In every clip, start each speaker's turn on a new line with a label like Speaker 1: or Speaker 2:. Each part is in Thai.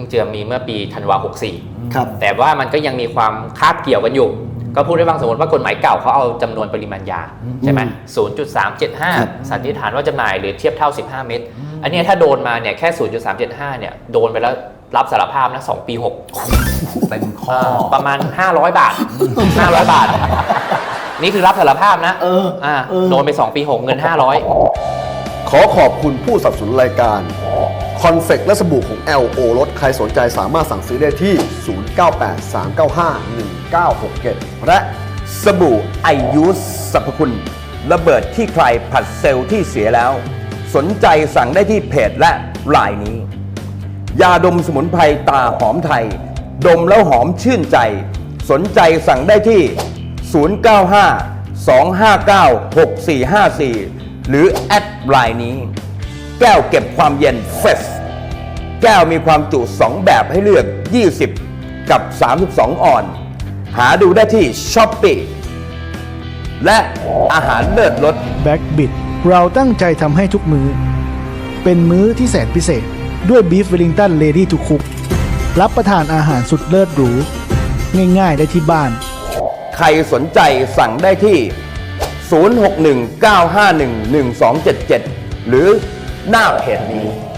Speaker 1: จะมีเมื่อปีธันวา64
Speaker 2: ครับ
Speaker 1: แต่ว่ามันก็ยังมีความคาบเกี่ยวกันอยู่ก็พูดได้บ้างสมมติว่ากฎหมายเก่าเขาเอาจำนวนปริมาณยาใช่ไหม0.375 สันนิษฐานว่าจำหน่ายหรือเทียบเท่า15 เม็ดอันนี้ถ้าโดนมาเนี่ยแค่ 0.375 เนี่ยโดนไปแล้วรับสารภาพนะ2 ปี 6
Speaker 3: เป็นข้อ
Speaker 1: ประมาณ500 บาท500 บาทนี่คือรับสารภาพนะโดนไป2 ปี 6เงิน500
Speaker 4: ขอขอบคุณผู้สนับสนุนรายการคอนเฟกและสบู่ของ LO รถใครสนใจสามารถสั่งซื้อได้ที่ 0983951967
Speaker 3: และสบู่ไอยูสสรรพคุณระเบิดที่ใครผัดเซลล์ที่เสียแล้วสนใจสั่งได้ที่เพจและไลน์นี้ยาดมสมุนไพรตาหอมไทยดมแล้วหอมชื่นใจสนใจสั่งได้ที่ 095-259-6454 หรือแอดไลน์นี้แก้วเก็บความเย็นเฟสแก้วมีความจุ 2 แบบให้เลือก 20 กับ 32 ออนหาดูได้ที่ Shopee และอาหารเลิศรส
Speaker 5: แบ็กบิดเราตั้งใจทำให้ทุกมื้อเป็นมื้อที่แสนพิเศษด้วยบีฟเวลลิงตันเลดี้ทูคุกรับประทานอาหารสุดเลิศหรูง่ายๆได้ที่บ้าน
Speaker 3: ใครสนใจสั่งได้ที่ 061-951-1277 หรือหน้าเพจนี้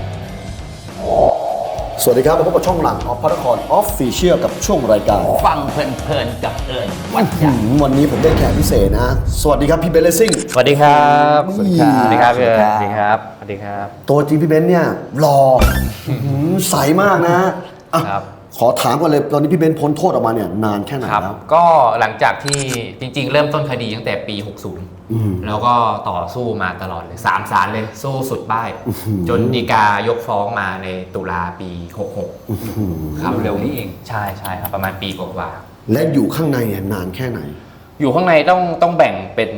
Speaker 4: สวัสดีครับมาพบกับช่องหลังออฟพระนครออฟฟิเชียลกับช่วงรายการ
Speaker 3: ฟังเพลินๆกับเอิญวัดใหญ่
Speaker 4: วันนี้ผมได้แขกพิเศษนะ สวัสดีครับพี่เบนเลสซิ่ง
Speaker 1: สวัสดีครับสวัสดีครับ
Speaker 3: สวัสดีครับ
Speaker 1: สวัสดีครับสวัสดีครับ
Speaker 4: ตัวจริงพี่เบนเนี่ยหล่อใสมากนะอ่ะ
Speaker 1: ครับ
Speaker 4: ขอถามก่อนเลยตอนนี้พี่เบนพ้นโทษออกมาเนี่ยนานแค่ไหน
Speaker 1: ครับ
Speaker 4: แล้ว
Speaker 1: ก็หลังจากที่จริงๆ เริ่มต้นคดีตั้งแต่ปี 60 แล้วก็ต่อสู้มาตลอดเลย3 ศาลเลยสู้สุดบ้ายจนฎีกายกฟ้องมาในตุลาปี 66 ครับเร็วนี้เองใช่ครับประมาณปีกว่า
Speaker 4: และอยู่ข้างในเนี่ยนานแค่ไหน
Speaker 1: อยู่ข้างในต้องแบ่งเป็น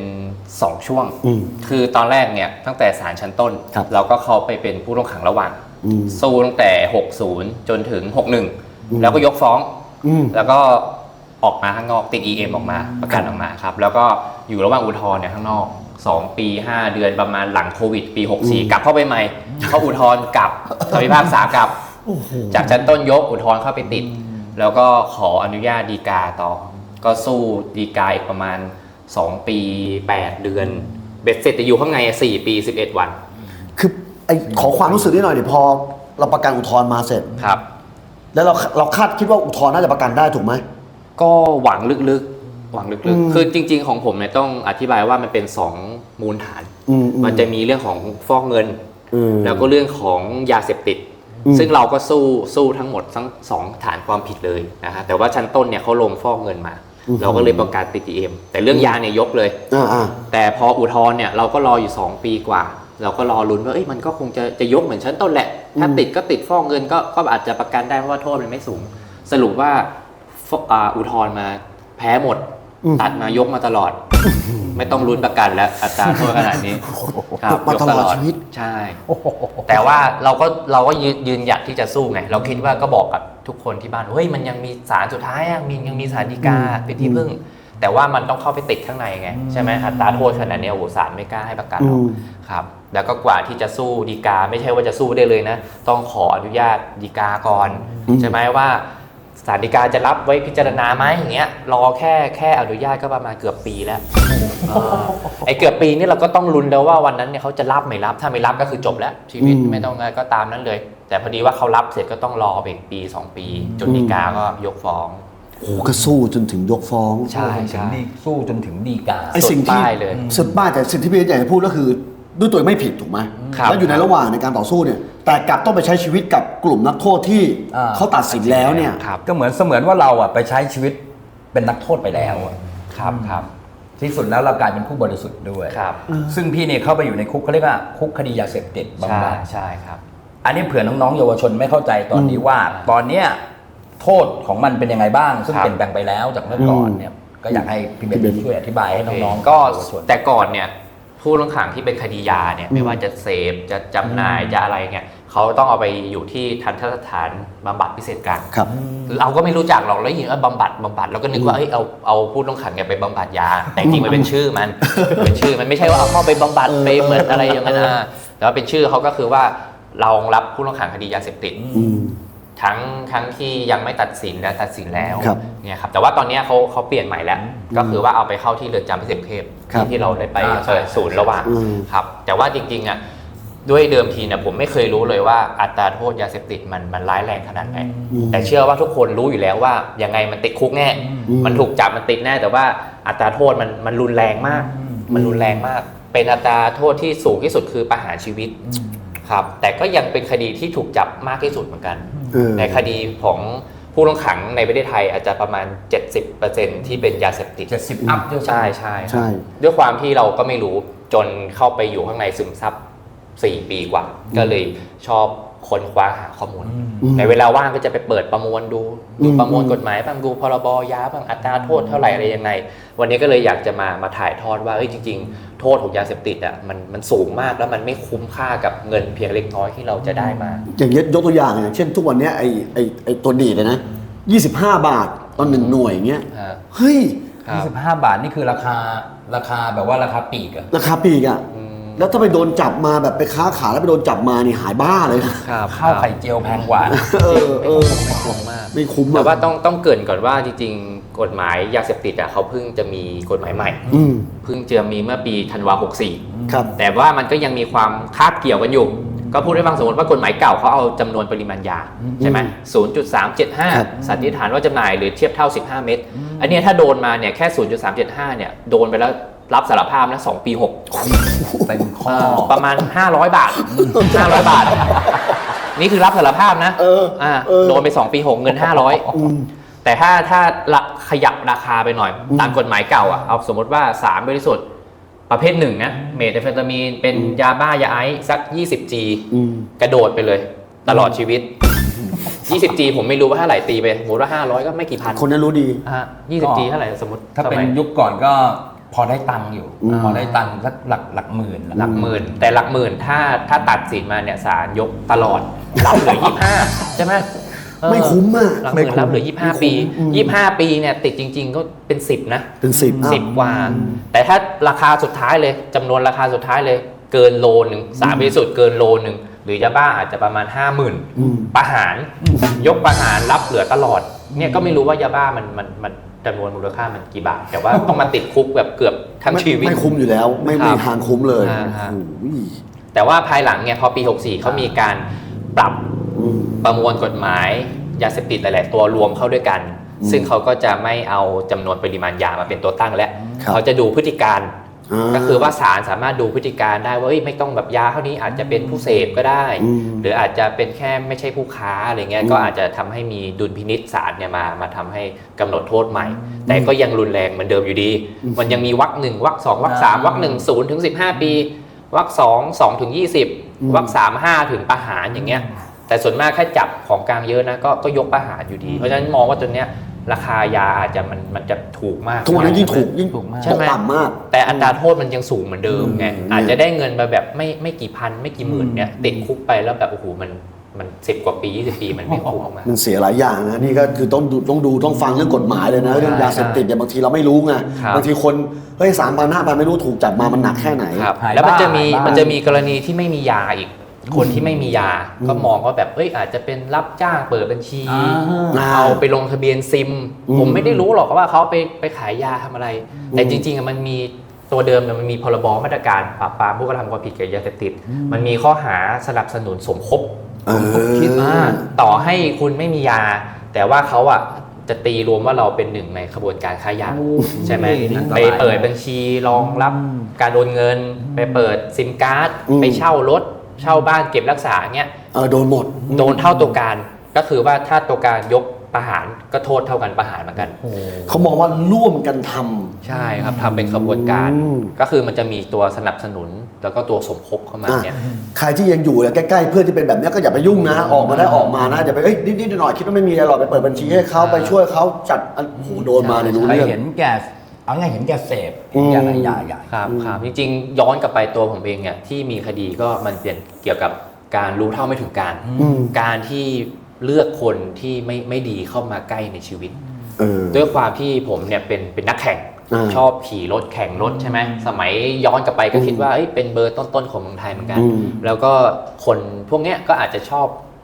Speaker 1: 2 ช่วง คือตอนแรกเนี่ยตั้งแต่ศาลชั้นต้น
Speaker 4: ครับ
Speaker 1: เราก็เข้าไปเป็นผู้ต้องขังระหว่างสู้ตั้งแต่ 60 จนถึง 61 แล้วก็ยกฟ้อง แล้วก็ออกมาข้างนอกติด EM ออกมาประกันออกมาครับแล้วก็อยู่ระหว่างอุทธรณ์เนี่ยข้างนอก2 ปี 5 เดือนประมาณหลังโควิดปี 64 กลับเข้าไปใหม่เขาอุทธรณ์กลับคำพิพากษากลับจากชั้นต้นยกอุทธรณ์เข้าไปติด แล้วก็ขออนุญาตฎีกาต่อก็สู้ฎีกาอีกประมาณ2 ปี 8 เดือนเบ็ดเสร็จจะอยู่ข้างใน4 ปี 11 วัน
Speaker 4: คือไอ้ขอความรู้สึกนิดหน่อยเดี๋ยวพอเราประกันอุทธรณ์มาเสร็จ
Speaker 1: ครับ
Speaker 4: แล้วเราคาดคิดว่าอุทธรณ์น่าจะประกันได้ถูกไหม
Speaker 1: ก็หวังลึกๆคือจริงๆของผมเนี่ยต้องอธิบายว่ามันเป็น2 มูลฐานมันจะมีเรื่องของฟอกเงินแล้วก็เรื่องของยาเสพติดซึ่งเราก็สู้ทั้งหมดทั้ง2 ฐานความผิดเลยนะฮะแต่ว่าชั้นต้นเนี่ยเขาลงฟอกเงินมาเราก็เลยประกาศติด EM แต่เรื่องยาเนี่ยยกเลยแต่พออุทธรณ์เนี่ยเราก็รออยู่2 ปีกว่าเราก็รอลุ้นว่ามันก็คงจะยกเหมือนชั้นต้นแหละถ้าติดก็ติดฟอกเงินก็อาจจะประกันได้เพราะว่าโทษมันไม่สูงสรุปว่าอุทธรณ์มาแพ้หมดตัดมายกมาตลอดไม่ต้องลุ้นประกันแล้วอัตราโทษขนาดนี้ครับยกตลอดชีวิตใช่แต่ว่าเราก็ยืนหยัดที่จะสู้ไงเราคิดว่าก็บอกกับทุกคนที่บ้านเฮ้ยมันยังมีศาลสุดท้ายยังมีศาลฎีกาเป็นที่พึ่งแต่ว่ามันต้องเข้าไปติดข้างในไงใช่ไหมอัตราโทษขนาดนี้โอ้โหศาลไม่กล้าให้ประกันหรอกครับแล้วก็กว่าที่จะสู้ฎีกาไม่ใช่ว่าจะสู้ได้เลยนะต้องขออนุญาตฎีกาก่อนใช่ไหมว่าศาลฎีกาจะรับไว้พิจารณาไหมอย่างเงี้ยรอแค่อนุญาตก็ประมาณเกือบปีแล้วไอ้เกือบปีนี่เราก็ต้องลุ้นแล้วว่าวันนั้นเนี่ยเขาจะรับไม่รับถ้าไม่รับก็คือจบแล้วชีวิตไม่ต้องก็ตามนั้นเลยแต่พอดีว่าเขารับเสร็จก็ต้องรอไปอีกปี2 ปีจนฎีกาก็ยกฟ้อง
Speaker 4: โอ้ก็สู้จนถึงยกฟ้อง
Speaker 1: ใช่
Speaker 3: สู้จนถึงฎีกา
Speaker 4: ไอ้สิ่งที่สุดบ้าแต่สิ่งที่พี่อยากจะพูดก็คือด้วยตัวไม่ผิดถูกไหมแล้วอยู่ในระหว่างในการต่อสู้เนี่ยแต่กลับต้องไปใช้ชีวิตกับกลุ่มนักโทษที่เขาตัดสินแล้วเนี่ย
Speaker 3: ก็เหมือนว่าเราไปใช้ชีวิตเป็นนักโทษไปแล้ว
Speaker 1: ครับ
Speaker 3: ที่สุดแล้วเรากลายเป็นผู้บริสุทธิ์ด้วยซึ่งพี่เนี่ยเข้าไปอยู่ในคุกเขาเรียกว่าคุกคดียาเสพติดบำบัด
Speaker 1: ใช่ครับ
Speaker 3: อันนี้เผื่อน้องๆเยาวชนไม่เข้าใจตอนนี้ว่าตอนเนี้ยโทษของมันเป็นยังไงบ้างซึ่งเปลี่ยนแปลงไปแล้วจากเมื่อก่อนเนี่ยก็อยากให้พี่เบนช่วยอธิบายให้น้องๆ
Speaker 1: ก็แต่ก่อนเนี่ยผู้ต้องขังที่เป็นคดียาเนี่ยไม่ว่าจะเสพจะจำหน่ายจะอะไรเนี่ยเขาต้องเอาไปอยู่ที่ทันตสถานบำบัดพิเศษกลางเราก็ไม่รู้จักหรอกแล้วยินว่าบำบัดเราก็นึกว่าเอาผู้ต้องขังเนี่ยไปบำบัดยาแต่จริงมันเป็นชื่อมันเป็นชื่อมันไม่ใช่ว่าเอาเข้าไปบำบัดไปเหมือนอะไรอย่างนั้นนะแต่ว่าเป็นชื่อเขาก็คือว่าเรารับผู้ต้องขังคดียาเสพติดทั้งที่ยังไม่ตัดสินและตัดสินแล้ว
Speaker 4: ครับ
Speaker 1: เนี่ยครับแต่ว่าตอนนี้เขาเปลี่ยนใหม่แล้วก็คือว่าเอาไปเข้าที่เรือนจำพิเศษกรุงเทพ
Speaker 4: ครับ
Speaker 1: ที่เราได้ไปเปิดศูนย์ระหว่าง
Speaker 4: อืม
Speaker 1: ครับแต่ว่าจริงๆอ่ะด้วยเดิมทีเนี่ยผมไม่เคยรู้เลยว่าอัตราโทษยาเสพติดมันร้ายแรงขนาดไหนแต่เชื่อว่าทุกคนรู้อยู่แล้วว่ายังไงมันติดคุกแน่มันถูกจับมันติดแน่แต่ว่าอัตราโทษมันรุนแรงมากมันรุนแรงมาก เป็นอัตราโทษที่สูงที่สุดคือประหารชีวิตครับแต่ก็ยังเป็นคดีที่ถูกจับมากที่สุดเหมือนกันในคดีของผู้ต้องขังในประเทศไทยอาจจะประมาณ 70% ที่เป็นยาเสพติด
Speaker 3: 70 อัพด้วย
Speaker 1: ใช่ด้วยความที่เราก็ไม่รู้จนเข้าไปอยู่ข้างในซึมซับ4 ปีกว่าก็เลยชอบค้นคว้าหาข้อมูลในเวลาว่างก็จะไปเปิดประมวลดูประมวลกฎหมายบ้างดูพรบยาบ้างอัตราโทษเท่าไหร่อะไรยังไงวันนี้ก็เลยอยากจะมาถ่ายทอดว่าจริงๆโทษของยาเสพติดอ่ะมันสูงมากแล้วมันไม่คุ้มค่ากับเงินเพียงเล็กน้อยที่เราจะได้มา
Speaker 4: อย่างยกตัวอย่างอย่างเช่นทุกวันเนี้ยไอ้ตัวดีดเลยนะ25 บาทตอน1 หน่วยอย่างเงี้ยเฮ้ย
Speaker 3: 25 บาทนี่คือราคาแบบว่าราคาปลีกอะ
Speaker 4: ราคาปลีกอ่ะแล้วถ้าไปโดนจับมาแบบไปค้าขายแล้วไปโดนจับมานี่หายบ้าเลยนะ
Speaker 3: ข้าวไข่เจียวแพงกว่า
Speaker 1: ไม่คุ้มมาก
Speaker 4: ไม่คุ้ม
Speaker 1: แต่ว่าต้องเกริ่นก่อนว่าจริงๆกฎหมายยาเสพติดอ่ะเขาเพิ่งจะมีกฎหมายใหม่เพิ่งจะมีเมื่อปีธันวา64
Speaker 4: ครับ
Speaker 1: แต่ว่ามันก็ยังมีความคาบเกี่ยวกันอยู่ก็พูดให้ฟังสมมติว่ากฎหมายเก่าเขาเอาจำนวนปริมาณยาใช่ไหม 0.375 สันนิษฐานว่าจำหน่ายหรือเทียบเท่า15 เม็ดอันนี้ถ้าโดนมาเนี่ยแค่ 0.375 เนี่ยโดนไปแล้วรับสารภาพนะ2 ปี 6
Speaker 3: เต็มข้อ
Speaker 1: ประมาณ500 บาท500 บาทนี่คือรับสารภาพนะโดนไป2 ปี 6เงิน500แต่ถ้าขยับราคาไปหน่อยตามกฎหมายเก่าอ่ะเอาสมมติว่าสารบริสุทธิ์ประเภท1นะเมทแอมเฟตามีนเป็นยาบ้ายาไอซ์สัก 20G กระโดดไปเลยตลอดชีวิต 20G ผมไม่รู้ว่าเท่าไหร่ตีไปสมมติว่า500ก็ไม่กี่พัน
Speaker 4: คนนั้นรู้ดี
Speaker 1: 20G เท่าไหร่สมมติ
Speaker 3: ถ้าเป็นยุคก่อนก็พอได้ตังค์อยู่พอได้ตังค์สักหลักหมื่น
Speaker 1: แต่หลักหมื่นถ้าตัดสินมาเนี่ยศาลยกตลอดรับเหลือ25ใช่ไหม
Speaker 4: ไม่คุ้มมาก
Speaker 1: หลักหมื่นรับเหลือ25 ปี25 ปีเนี่ยติดจริงๆก็เป็น10นะ
Speaker 4: เป็น10
Speaker 1: กว่าแต่ถ้าราคาสุดท้ายเลยจำนวนราคาสุดท้ายเลยเกินโลนึงสารบริสุทธิ์เกินโลนึงหรือยาบ้าอาจจะประมาณ 50,000ประหารยกประหารรับเหลือตลอดเนี่ยก็ไม่รู้ว่ายาบ้ามันจำนวนมูลค่ามันกี่บาทแต่ว่าต้องมาติดคุกแบบเกือบทั้งชีวิต
Speaker 4: ไม่คุ้มอยู่แล้วไม่มีทางคุ้มเลย
Speaker 1: แต่ว่าภายหลังเนี่ยพอปี64เขามีการปรับประมวลกฎหมายยาเสพติดหลายๆตัวรวมเข้าด้วยกันซึ่งเขาก็จะไม่เอาจำนวนปริมาณยามาเป็นตัวตั้งแล้วเขาจะดูพฤติการก็คือว่าศาลสามารถดูพฤติการได้ว่าไม่ต้องแบบยาเท่านี้อาจจะเป็นผู้เสพก็ได้หรืออาจจะเป็นแค่ไม่ใช่ผู้ค้าอะไรเงี้ยก็อาจจะทำให้มีดุลพินิจศาลเนี่ยมาทำให้กำหนดโทษใหม่แต่ก็ยังรุนแรงเหมือนเดิมอยู่ดีมันยังมีวรรค1วรรค2วรรค3วรรค1 0 ถึง 15 ปีวรรค2 2 ถึง 20วรรค3 5 ถึงประหารอย่างเงี้ยแต่ส่วนมากแค่จับของกลางเยอะนะก็ยกประหารอยู่ดีเพราะฉะนั้นมองว่าตัวเนี้ยราคายาอาจจะมันจะถูกมาก
Speaker 4: ทุกวันนี้ยิ่งถูกมากต่ำมาก
Speaker 1: แต่อัตราโทษมันยังสูงเหมือนเดิมไงอาจจะได้เงินมาแบบไม่กี่พันไม่กี่หมื่นเนี่ยติดคุกไปแล้วแบบโอ้โหมัน10 กว่าปี20 ปีมันไม่คุ้มมาก
Speaker 4: มันเสียหลายอย่างนะนี่ก็คือต้องฟังเรื่องกฎหมายเลยนะเรื่องยาเสพติดเนี่ยบางทีเราไม่รู้ไงบางทีคนเฮ้ย3,000 5,000ไม่รู้ถูกจับมามันหนักแค่ไหน
Speaker 1: แล้วมันจะมีกรณีที่ไม่มียาอีกคนที่ไม่มียาก็มองว่าแบบอาจจะเป็นรับจ้างเปิดบัญชีเอาไปลงทะเบียนซิมผมไม่ได้รู้หรอกว่าเขาไปขายยาทำอะไรแต่จริงๆมันมีตัวเดิมมันมีพรบมาตรการปราบปรามผู้กระทำความผิดเกี่ยวกับยาเสพติดมันมีข้อหาสนับสนุนสมคบคิดต่อให้คุณไม่มียาแต่ว่าเขาจะตีรวมว่าเราเป็นหนึ่งในขบวนการค้ายาใช่ไหมไปเปิดบัญชีรองรับการโอนเงินไปเปิดซิมการ์ดไปเช่ารถเช่าบ้านเก็บรักษาเงี้ย
Speaker 4: โดนหมด
Speaker 1: โดนเท่าตัวการก็คือว่าถ้าตัวการยกประหารก็โทษเท่ากันประหารเหมือนกัน
Speaker 4: เขามองว่าร่วมกันทำ
Speaker 1: ใช่ครับทำเป็นขบวนการก็คือมันจะมีตัวสนับสนุนแล้วก็ตัวสมคบเข้ามาเนี่ย
Speaker 4: ใครที่ยังอยู่ใกล้ๆเพื่อนที่เป็นแบบนี้ก็อย่าไปยุ่งนะออกมาได้ออกมานะอย่าไปนิดๆหน่อยๆคิดว่าไม่มีอะไรหรอกไปเปิดบัญชีให้เขาไปช่วยเขาจัดโดนมาในรู้เรื่อง
Speaker 3: เห็นแก่เอาไงเห็นแก่เสพอย่างไรใหญ่
Speaker 1: ครับจริงๆย้อนกลับไปตัวผมเองเนี่ยที่มีคดีก็มันเป็นเกี่ยวกับการรู้เท่าไม่ถึงการที่เลือกคนที่ไม่ดีเข้ามาใกล้ในชีวิตด้วยความที่ผมเนี่ยเป็นนักแข่งชอบขี่รถแข่งรถใช่ไหมสมัยย้อนกลับไปก็คิดว่าเป็นเบอร์ต้นๆของเมืองไทยเหมือนกันแล้วก็คนพวกเนี้ยก็อาจจะช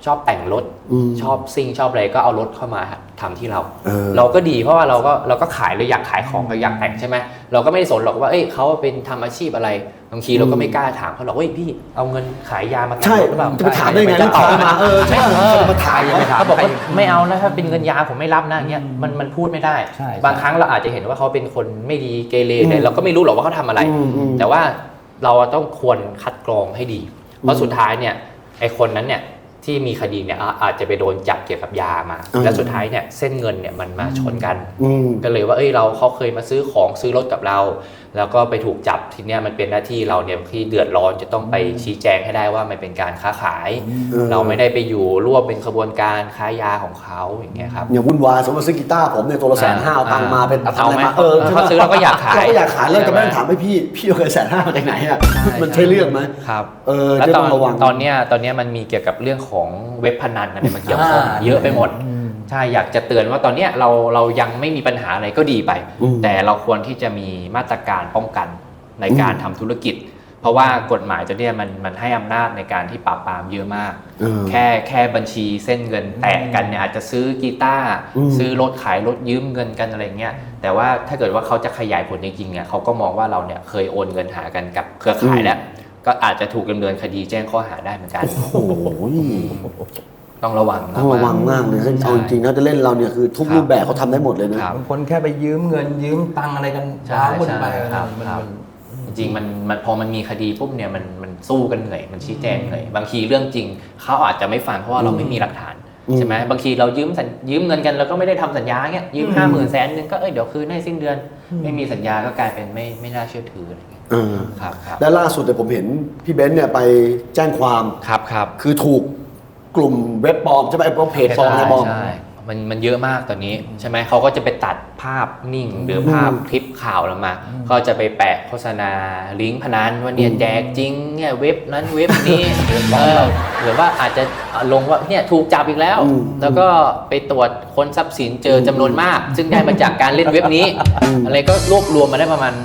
Speaker 1: ชอบแต่งรถชอบซิ่งชอบอะไรก็เอารถเข้ามาทำที่เรา
Speaker 4: อ
Speaker 1: เราก็ดีเพราะว่าเราก็ขายเราอยากขายของเราอยากแต่งใช่ไหมเราก็ไม่ได้สนหรอกว่าเขาเป็นทำอาชีพอะไรบางทีเราก็ไม่กล้าถามเขาหรอกพี่เอาเงินขายยามาแต่ง
Speaker 4: ใช่
Speaker 1: รถหรือเปล่า
Speaker 4: จะไปถามได้ไง
Speaker 1: จะตอบ
Speaker 4: ลูกค้ามาใช่จะมาถาม
Speaker 1: เขาบอกว่าไม่เอานะถ้าเป็นเงินยาผมไม่รับนะอย่างเงี้ยมันพูดไม่ได้
Speaker 3: ใช่
Speaker 1: บางครั้งเราอาจจะเห็นว่าเขาเป็นคนไม่ดีเกเรเนี่ยเราก็ไม่รู้หรอกว่าเขาทำอะไร แต่ว่าเราต้องควรคัดกรองให้ดีเพราะสุดท้ายเนี่ยไอ้คนนั้นเนี่ยที่มีคดีเนี่ยอาจจะไปโดนจับเกี่ยวกับยามาแล้วสุดท้ายเนี่ยเส้นเงินเนี่ยมันมาชนกันก็เลยว่าเขาเคยมาซื้อของซื้อรถกับเราแล้วก็ไปถูกจับทีเนี้ยมันเป็นหน้าที่เราเนี่ยที่เดือดร้อนจะต้องไปชี้แจงให้ได้ว่ามันเป็นการค้าขายเราไม่ได้ไปอยู่ร่วมเป็นขบวนการค้ายาของเขาอย่างเงี้ยครับ
Speaker 4: อย่างวุ่นวายสมมติซื้อกีตาร์ผมเนี่ยตัวละ150,000เอาตังค์มาเป็นทำอะไรมา
Speaker 1: เขาซื้อเราก็อยากขาย
Speaker 4: เราก็อยากขายแล้วจะไม่ต้องถามให้พี่เอาเงิน150,000มาจากไหนอ่ะมันใช่เรื่องไหม
Speaker 1: ครับ
Speaker 4: แล้วต้องระวัง
Speaker 1: ตอนเนี้ยมันมีเกี่ยวกับเรื่องของเว็บพนันอะไรมาเกี่ยวข้องเยอะไปหมดใช่อยากจะเตือนว่าตอนเนี้ยเรายังไม่มีปัญหาอะไรก็ดีไป แต่เราควรที่จะมีมาตรการป้องกันในการทำธุรกิจ เพราะว่ากฎหมายตัวเนี้ยมันให้อำนาจในการที่ปราบปรามเยอะมากแค่บัญชีเส้นเงินแตกกันเนี่ยอาจจะซื้อกีตาร์ซื้อรถขายรถยืมเงินกันอะไรเงี้ยแต่ว่าถ้าเกิดว่าเขาจะขยายผลจริงๆเนี่ยเขาก็มองว่าเราเนี่ยเคยโอนเงินหากันกับเครือข่ายแล้วก็อาจจะถูกดำเนินคดีแจ้งข้อหาได้เหมือนกัน
Speaker 4: โอ้โห
Speaker 1: ต้องระวัง
Speaker 4: ต้องระวังมากเลยเอาจริงๆถ้าจะเล่นเราเนี่ยคือทุกรูปแบบเขาทำได้หมดเลยนะ
Speaker 3: บางคนแค่ไปยืมเงินยืมตังอะไรกัน
Speaker 1: ใช่
Speaker 3: ว้าวุ่นไป
Speaker 1: ครับจริงๆมันพอมันมีคดีปุ๊บเนี่ยมันสู้กันเหนื่อยมันชี้แจงเหนื่อยบางทีเรื่องจริงเขาอาจจะไม่ฟังเพราะว่าเราไม่มีหลักฐานใช่ไหมบางทีเรายืมเงินกันแล้วก็ไม่ได้ทำสัญญาเงี้ยยืม50,000 100,000ก็เดี๋ยวคืนให้สิ้นเดือนไม่มีสัญญาก็กลายเป็นไม่น่าเชื่อถืออะไรเงี้ยครับ
Speaker 4: และล่าสุดเนี่ยผมเห็นพี่เบนซ์เนี่ยไปแจ้งความ
Speaker 1: ครับ
Speaker 4: คือถูกกลุ่มเว็บปลอมใช่ไหมไอ้พวกเพจปลอมอะไรปลอม
Speaker 1: ใช่มันเยอะมากตอนนี้ใช่ไหมเขาก็จะไปตัดภาพนิ่งหรือภาพคลิปข่าวเรามาก็จะไปแปะโฆษณาลิงก์พนันว่าเนี่ยแจกจริงเนี่ยเว็บนั้นเว็บนี้หรือว่าอาจจะลงว่าเนี่ยถูกจับอีกแล้วแล้วก็ไปตรวจค้นทรัพย์สินเจอจำนวนมาก ซึ่งได้มาจากการเล่นเว็บนี้อะไรก็รวบรวมมาได้ประมาณ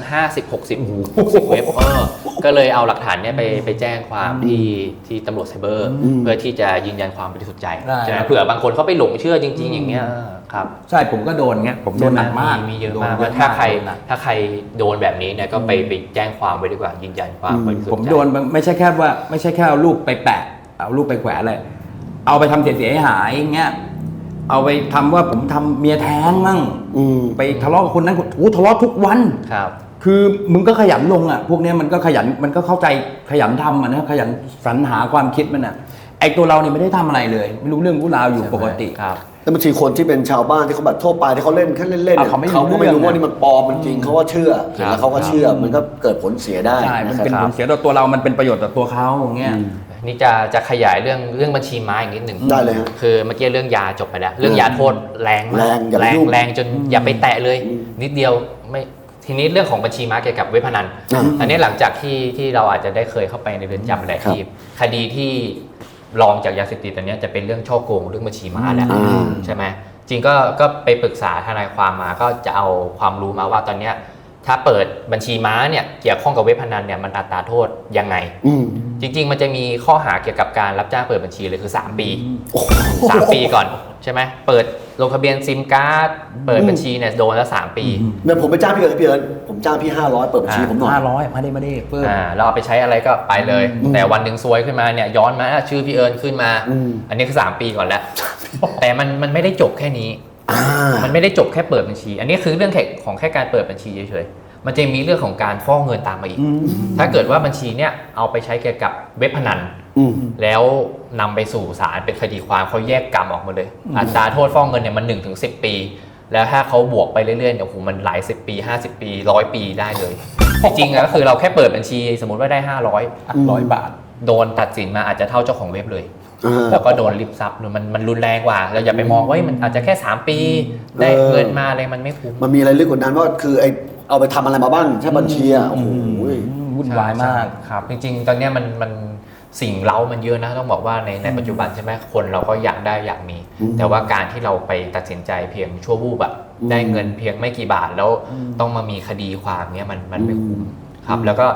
Speaker 1: 50-60 เว็บก็เลยเอาหลักฐานเนี่ยไปแจ้งความที่ตำรวจไซเบอร์เพื่อที่จะยืนยันความบริสุทธิ์ใจใช่ไหมเผื่อบางคนเขาไปหลงเชื่อจริงๆอย่างเงี้ยครับ
Speaker 3: ใช่ผมก็โดนเงี้ยผมโดนหนักมาก
Speaker 1: มีเยอะมากว่าถ้าใครโดนแบบนี้เนี่ยก็ไปแจ้งความไว้ดีกว่ายืนยันความบริสุทธิ์ใจ
Speaker 3: ผมโดนไม่ใช่แค่เอารูปไปแปะเอารูปไปแขวนเลยเอาไปทำเสียหายอย่างเงี้ยเอาไปทำว่าผมทำเมียแท้งมั่งไปทะเลาะกับคนนั้นทะเลาะทุกวัน
Speaker 1: ครับ
Speaker 3: คือมึงก็ขยันลงอ่ะพวกเนี้ยมันก็ขยันมันก็เข้าใจขยันทำนะขยันสรรหาความคิดมันอ่ะไอตัวเราเนี่ยไม่ได้ทำอะไรเลยไม่รู้เรื่องรู้ราวอยู่ปกติ
Speaker 1: ครับ
Speaker 4: แล้วบางทีคนที่เป็นชาวบ้านที่เขาแบบทั่วไปที่เขาเล่นแค่เล่นๆเขาก็ไม่รู้ว่านี่มันปลอมมันจริงเขาก็เชื่อแล้วเขาก็เชื่อมันก็เกิดผลเสียได้
Speaker 3: ใช่มันเป็นผลเสียต่อตัวเรามันเป็นประโยชน์ต่อตัวเขาอย่างเงี้ย
Speaker 1: นี่จะขยายเรื่องบัญชีม้าอีกนิดหนึ่ง
Speaker 4: ได้เลย
Speaker 1: คือเมื่อกี้เรื่องยาจบไปแล้วเรื่องยาโทษแรงมากแรงจนอย่าไปแตะเลยนิดเดียวไม่ทีนี้เรื่องของบัญชีม้าเกี่ยวกับเว็บพนันอันนี้หลังจากที่เราอาจจะได้เคยเข้าไปในเรือนจำหลายที่คดีที่รองจากยาเสพติดตอนนี้จะเป็นเรื่องช่อโกงเรื่องบัญชีม้าแหละใช่ไหมจริงก็ไปปรึกษาทนายความมาก็จะเอาความรู้มาว่าตอนนี้ถ้าเปิดบัญชีม้าเนี่ยเกี่ยวข้องกับเว็บพนันเนี่ยมันอัตราโทษยังไงจริงๆมันจะมีข้อหาเกี่ยวกับการรับจ้างเปิดบัญชีเลยคือ3 ปี3 ปีก่อนใช่ไหมเปิดลงทะเบียนซิมการ์ดเปิดบัญชีเนี่ยโดนแล้ว3 ปี
Speaker 4: เนี่ยผมไปจ้างพี่เอิญผมจ้างพี่500เปิดบัญชีผมหน่อย
Speaker 3: 500มาได้เพิ่ม
Speaker 1: เราเอาไปใช้อะไรก็ไปเลยแต่วันหนึ่งซวยขึ้นมาเนี่ยย้อนมาชื่อพี่เอิญขึ้นมาอันนี้คือ3 ปีก่อนแล้วแต่มันไม่ได้จบแค่นี้มันไม่ได้จบแค่เปิดบัญชีอันนี้คือเรื่องของแค่การเปิดบัญชีเฉยๆมันจะมีเรื่องของการฟอกเงินตามมาอีกถ้าเกิดว่าบัญชีเนี่ยเอาไปใช้เกี่ยวกับเว็บพนันแล้วนำไปสู่ศาลเป็นคดีความเขาแยกกรรมออกมาเลยอัตราโทษฟอกเงินเนี่ยมัน 1-10 ปีแล้วถ้าเขาบวกไปเรื่อยๆเนี่ยโอ้โหมันหลาย10 ปี50 ปี100 ปีได้เลยจริงๆก็คือเราแค่เปิดบัญชีสมมติว่าได้500 บาทโดนตัดสินมาอาจจะเท่าเจ้าของเว็บเลยแล้วก็โดนริบทรัพย์มันรุนแรงกว่าเราอย่าไปมองว่ามันอาจจะแค่3 ปีได้เงินมาอะไรมันไม่คุ้ม
Speaker 4: มันมีอะไรลึกกว่านั้นว่าคือไอเอาไปทำอะไรมาบ้างใช่บัญชีอ่ะโอ้โห
Speaker 3: วุ่นวายมาก
Speaker 1: ครับจริงๆตอนนี้มันสิ่งเร้ามันเยอะนะต้องบอกว่าในปัจจุบันใช่ไหมคนเราก็อยากได้อยากมีแต่ว่าการที่เราไปตัดสินใจเพียงชั่ววูบแบบได้เงินเพียงไม่กี่บาทแล้วต้องมามีคดีความเนี้ยมันไม่คุ้มครับแล้วก็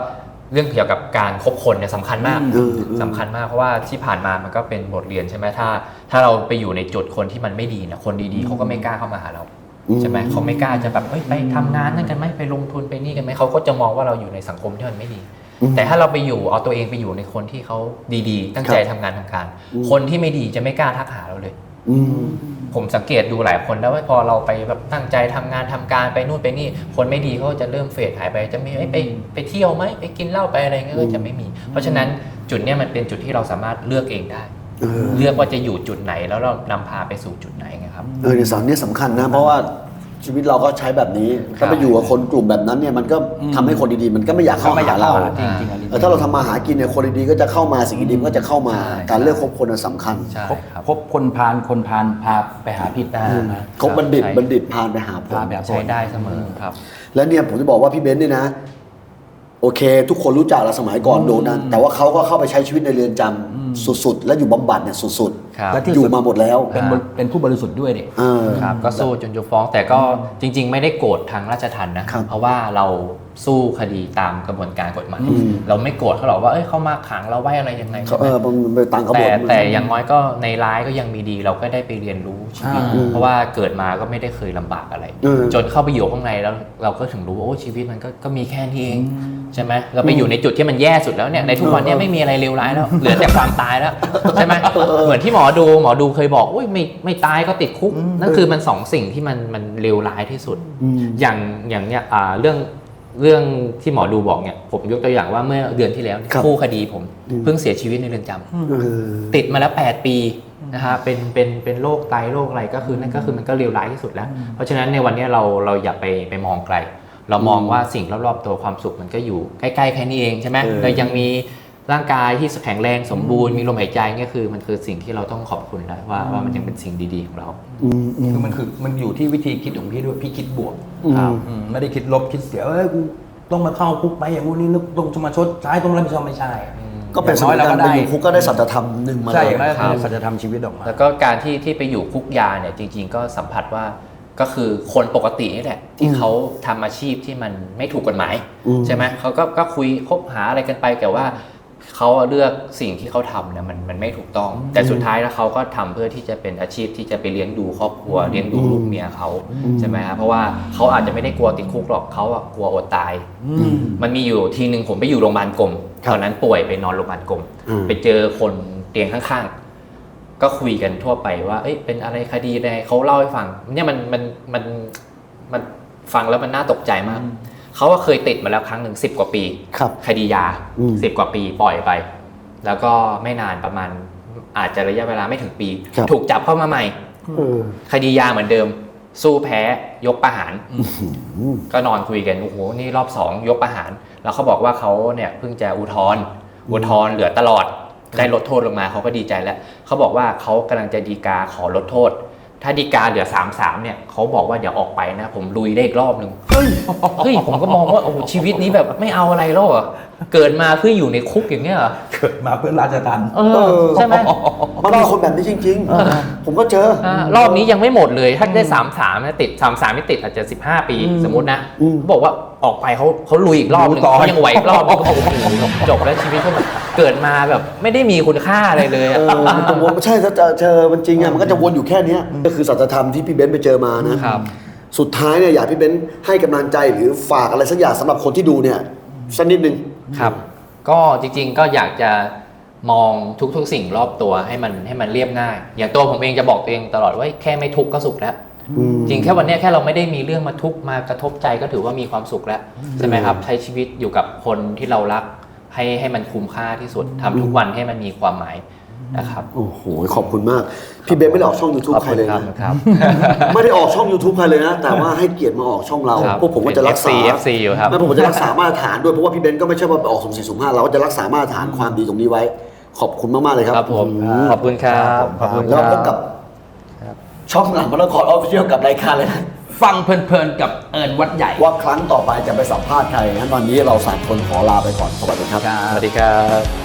Speaker 1: เรื่องเกี่ยวกับการคบคนเนี่ยสำคัญมาก
Speaker 4: อืม
Speaker 1: สำคัญมากเพราะว่าที่ผ่านมามันก็เป็นบทเรียนใช่ไหมถ้าเราไปอยู่ในจุดคนที่มันไม่ดีเนี่ยคนดีๆเขาก็ไม่กล้าเข้ามาหาเราใช่ไหมเขาไม่กล้าจะแบบไปทำงานนั่นกันไหมไปลงทุนไปนี่กันไหมเขาก็จะมองว่าเราอยู่ในสังคมที่มันไม่ดี แต่ถ้าเราไปอยู่เอาตัวเองไปอยู่ในคนที่เขาดีๆ ตั้งใจทำงานทำการคนที่ไม่ดีจะไม่กล้าทักหาเราเลย ผมสังเกตดูหลายคนแล้วว่าพอเราไปแบบตั้งใจทำงานทำการไปนู่นไปนี่คนไม่ดีเขาจะเริ่มเฟดหายไปจะไม่ไปเที่ยวไหมไปกินเหล้าไปอะไรเงี้ยก็จะไม่มี เพราะฉะนั้นจุดเนี้ยมันเป็นจุดที่เราสามารถเลือกเองได้ เลือกว่าจะอยู่จุดไหนแล้วเรานำพาไปสู่จุดไหนไงครับ
Speaker 4: ในสารนี้สำคัญนะเพราะว่าชีวิตเราก็ใช้แบบนี้ถ้าไปอยู่กับคนกลุ่มแบบนั้นเนี่ยมันก็ทำให้คนดีๆมันก็ไม่อยากเข้าหาเรา
Speaker 3: จริงๆอันนี้
Speaker 4: ถ้าเราทำมาหากินเนี่ยคนดีๆก็จะเข้ามาสิ่งดีๆมันก็จะเข้ามา
Speaker 1: ใช่
Speaker 4: การเลือกคบคนน่ะสำคัญ
Speaker 1: ใช่ครับ
Speaker 3: คบคนพาลพาไปหาผิดนะ
Speaker 4: คบบัณฑิตบัณฑิตพาไปหาผล
Speaker 3: พาแบบ
Speaker 1: ใช้ได้เสมอครับ
Speaker 4: แล้วเนี่ยผมจะบอกว่าพี่เบนซ์เนี่ยนะโอเค ทุกคนรู้จักเราสมัยก่อนโดนนั้นแต่ว่าเขาก็เข้าไปใช้ชีวิตในเรือนจำสุดๆ และอยู่บำบัดเนี่ยสุด
Speaker 1: ครับ
Speaker 3: และที่
Speaker 4: ๆอยู่มาหมดแล้ว
Speaker 3: เป็นผู้บริสุทธิ์ด้วยเด็ก
Speaker 1: ครับก็สู้จนยกฟ้องแต่ก็จริง ๆ ไม่ได้โกรธทางราชทัณฑ์นะครับ เพราะว่าเราสู้คดีตามกระบวนการกฎหมายเราไม่โกรธเขาหรอกว่าเขามาขังเราไว้อะไรยังไง
Speaker 4: มันไปตามกระบวน
Speaker 1: แต่อย่างน้อยก็ในร้ายก็ยังมีดีเราก็ได้ไปเรียนรู้ชีวิตเพราะว่าเกิดมาก็ไม่ได้เคยลำบากอะไร จนเข้าไปอยู่ข้างในแล้วเราก็ถึงรู้ว่าโอ้ชีวิตมันก็มีแค่นี้เองใช่ไหมเราไปอยู่ในจุดที่มันแย่สุดแล้วเนี่ยในทุกวันเนี้ไม่มีอะไรเลวร้ายแล้วเหลือแต่ความตายแล้วใช่ไหมเหมือนที่หมอดูเคยบอกโอ้ยไม่ตายก็ติดคุกนั่นคือมันสองสิ่งที่มันเลวร้ายที่สุดอย่างเนี้ยเรื่องที่หมอดูบอกเนี่ยผมยกตัวอย่างว่าเมื่อเดือนที่แล้วคู่คดีผมเพิ่งเสียชีวิตในเรือนจำติดมาแล้ว8 ปีนะฮะเป็นโรคไตโรคอะไรก็คือนั่นก็คือมันก็เลวร้ายที่สุดแล้วเพราะฉะนั้นในวันนี้เราอย่าไปมองไกลเรามองว่าสิ่งรอบๆตัวความสุขมันก็อยู่ใกล้ๆแค่นี้เองใช่ไหมเรายังมีร่างกายที่แข็งแรงสมบูรณ์มีลมหายใจเนี่ยคือมันคือสิ่งที่เราต้องขอบคุณแล้วว่ามันยังเป็นสิ่งดีๆของเรา
Speaker 3: มันอยู่ที่วิธีคิดของพี่ด้วยพี่คิดบวกไม่ได้คิดลบคิดเสียกูต้องมาเข้าคุกไปอย่างนี้นึกต้องมาชดใช้ต้องรับผิดชอบไม่ใช่
Speaker 4: ก็เป็นสมัยการไปอยู่คุกก็ได้สัจธรรมหนึ่งมา
Speaker 3: ใช่
Speaker 4: เลย
Speaker 3: อย่างนั้นคือสัจธรรมชีวิตออกมา
Speaker 1: แล้วก็การที่ไปอยู่คุกยาเนี่ยจริงๆก็สัมผัสว่าก็คือคนปกตินี่แหละที่เขาทำอาชีพที่มันไม่ถูกกฎหมายใช่ไหมเขาก็คุยคบหาอะไรกันไปแต่ว่าเขาเลือกสิ่งที่เขาทำเนี่ยมันไม่ถูกต้องแต่สุดท้ายแล้วเขาก็ทำเพื่อที่จะเป็นอาชีพที่จะไปเลี้ยงดูครอบครัวเลี้ยงดูลูกเมียเขาใช่ไหมครับเพราะว่าเขาอาจจะไม่ได้กลัวติดคุกหรอกเขากลัวอดตายมันมีอยู่ทีนึงผมไปอยู่โรงพยาบาลกรมตอนนั้นป่วยไปนอนโรงพยาบาลกรมไปเจอคนเตียงข้างๆก็คุยกันทั่วไปว่าเป็นอะไรคดีอะไรเขาเล่าให้ฟังเนี่ยมันฟังแล้วมันน่าตกใจมากเขาเคยติดมาแล้วครั้งหนึ่ง10 กว่าปีคดียา10 กว่าปีปล่อยไปแล้วก็ไม่นานประมาณอาจจะระยะเวลาไม่ถึงปีถูกจับเข้ามาใหม่คดียาเหมือนเดิมสู้แพ้ยกประหารก็นอนคุยกันโอ้โหนี่รอบ2ยกประหารแล้วเขาบอกว่าเขาเนี่ยเพิ่งจะอุทธรณ์เหลือตลอดได้ลดโทษลงมาเขาก็ดีใจแล้วเขาบอกว่าเขากำลังจะฎีกาขอลดโทษถ้าฎีกาเหลือ 3-3 เนี่ยเขาบอกว่าเดี๋ยวออกไปนะผมลุยได้อีกรอบนึงเฮ้ยผมก็มองว่าโอ้ชีวิตนี้แบบไม่เอาอะไรแล้วอะเกิดมาเพื่ออยู่ในคุกอย่างเงี้ยเหรอ
Speaker 3: เกิดมาเพื่อราชทัณฑ์
Speaker 1: ใช่ไหม
Speaker 4: มันมีคนแบบนี้จริงๆผมก็เจอ
Speaker 1: รอบนี้ยังไม่หมมดเลยถ้าได้ 3-3 นะติด 3-3 ไม่ติดอาจจะ15 ปีสมมตินะบอกว่าออกไปเขาลุยอีกรอบนึงเขายังไหวอีกรอบนึงก็บอกจบแล้วชีวิตเขาแบบเกิดมาแบบไม่ได้มีคุณค่าอะไรเลย
Speaker 4: มันจะวนใช่ถ้าเจอมันจริงมันก็จะวนอยู่แค่นี้ก็คือสัจธรรมที่พี่เบนซ์ไปเจอมานะครับสุดท้ายเนี่ยอยากพี่เบนซ์ให้กำลังใจหรือฝากอะไรสักอย่างสำหรับคนที่ดูเนี่ยสักนิดนึง
Speaker 1: ครับก็จริงๆก็อยากจะมองทุกๆสิ่งรอบตัวให้มันเรียบง่ายอย่างตัวผมเองจะบอกตัวเองตลอดว่าแค่ไม่ทุกข์ก็สุขแล้วจริงแค่วันนี้แค่เราไม่ได้มีเรื่องมาทุกข์มากระทบใจก็ถือว่ามีความสุขแล้วใช่ไหมครับใช้ชีวิตอยู่กับคนที่เรารักให้มันคุ้มค่าที่สุดทำทุกวันให้มันมีความหมายนะครับ
Speaker 4: โอ้โหขอบคุณมากพี่เบนซ์ไม่ได้ออกช่อง YouTube ใครเลยนะครับ ไม่ได้ออกช่อง YouTube ใครเลยนะแต่ว่าให้เกียรติมาออกช่องเราพวกผมก็จะรักษา
Speaker 1: FC อยู่ครับ
Speaker 4: แล้วผมจะรักษามาตรฐานด้วยเพราะว่าพี่เบนซ์ก็ไม่ใช่ว่าไปออกสุ่ม4สุ่ม5เราก็จะรักษามาตรฐานความดีตรงนี้ไว้ขอบคุณมากๆเลยครับ
Speaker 1: ครับผมขอบคุณครับขอบคุณ
Speaker 4: แล้วพบกับช่องหลังมรดกออฟฟิเชียลกับรายการเลยนะ
Speaker 3: ฟังเพลินๆกับเอิญวัดใหญ่
Speaker 4: ว่าครั้งต่อไปจะไปสัมภาษณ์ใครงั้นวันนี้เรา3 คนขอลาไปก่อนสวัสดีครับ
Speaker 1: สวัสดีครับ